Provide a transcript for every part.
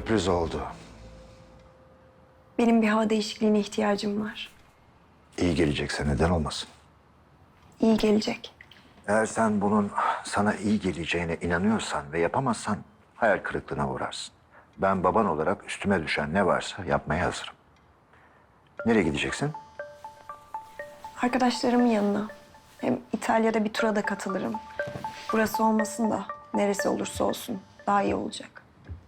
sürpriz oldu. Benim bir hava değişikliğine ihtiyacım var. İyi gelecekse neden olmasın? İyi gelecek. Eğer sen bunun sana iyi geleceğine inanıyorsan ve yapamazsan hayal kırıklığına uğrarsın. Ben baban olarak üstüme düşen ne varsa yapmaya hazırım. Nereye gideceksin? Arkadaşlarımın yanına. Hem İtalya'da bir tura da katılırım. Burası olmasın da neresi olursa olsun daha iyi olacak.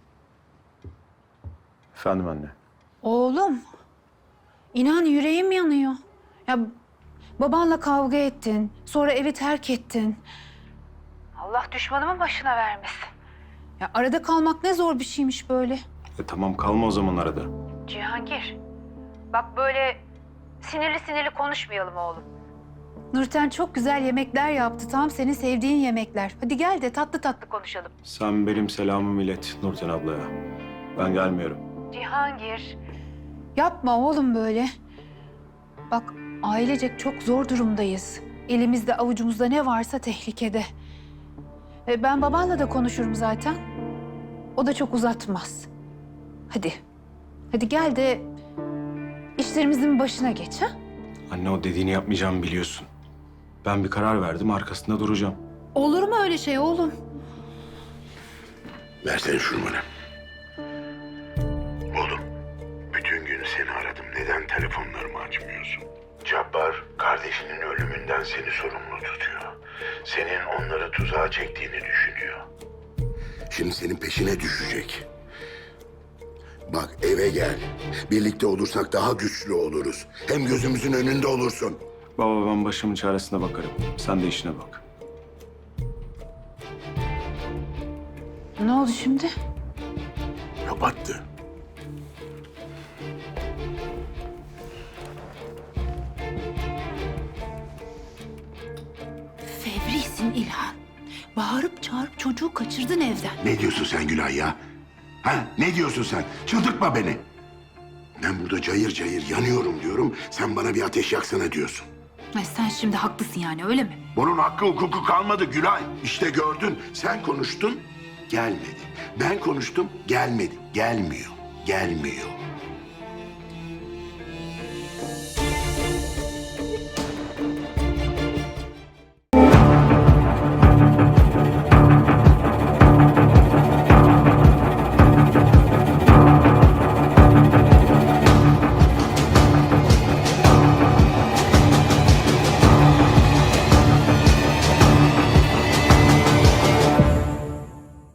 Efendim anne. Oğlum, inan yüreğim yanıyor. Ya babanla kavga ettin, sonra evi terk ettin. Allah düşmanımın başına vermesin. Ya arada kalmak ne zor bir şeymiş böyle. Tamam kalma o zaman arada. Cihangir, bak böyle sinirli sinirli konuşmayalım oğlum. Nurten çok güzel yemekler yaptı, tam senin sevdiğin yemekler. Hadi gel de tatlı tatlı konuşalım. Sen benim selamımı ilet Nurten ablaya. Ben gelmiyorum. Cihangir. Yapma oğlum böyle. Bak ailecek çok zor durumdayız. Elimizde avucumuzda ne varsa tehlikede. Ben babanla da konuşurum zaten. O da çok uzatmaz. Hadi. Hadi gel de işlerimizin başına geç ha. Anne o dediğini yapmayacağımı biliyorsun. Ben bir karar verdim arkasında duracağım. Olur mu öyle şey oğlum? Versene şunu bana. Oğlum, bütün gün seni aradım. Neden telefonlarımı açmıyorsun? Cabbar, kardeşinin ölümünden seni sorumlu tutuyor. Senin onları tuzağa çektiğini düşünüyor. Şimdi senin peşine düşecek. Bak eve gel. Birlikte olursak daha güçlü oluruz. Hem gözümüzün önünde olursun. Baba ben başımın çaresine bakarım. Sen de işine bak. Ne oldu şimdi? Kapattı. Fevrisin İlhan. Bağırıp çağırıp çocuğu kaçırdın evden. Ne diyorsun sen Gülay ya? Ha? Ne diyorsun sen? Çıldırtma beni. Ben burada cayır cayır yanıyorum diyorum. Sen bana bir ateş yaksana diyorsun. Ay sen şimdi haklısın yani öyle mi? Bunun hakkı hukuku kalmadı Gülay. İşte gördün. Sen konuştun, gelmedi. Ben konuştum, gelmedi. Gelmiyor, gelmiyor.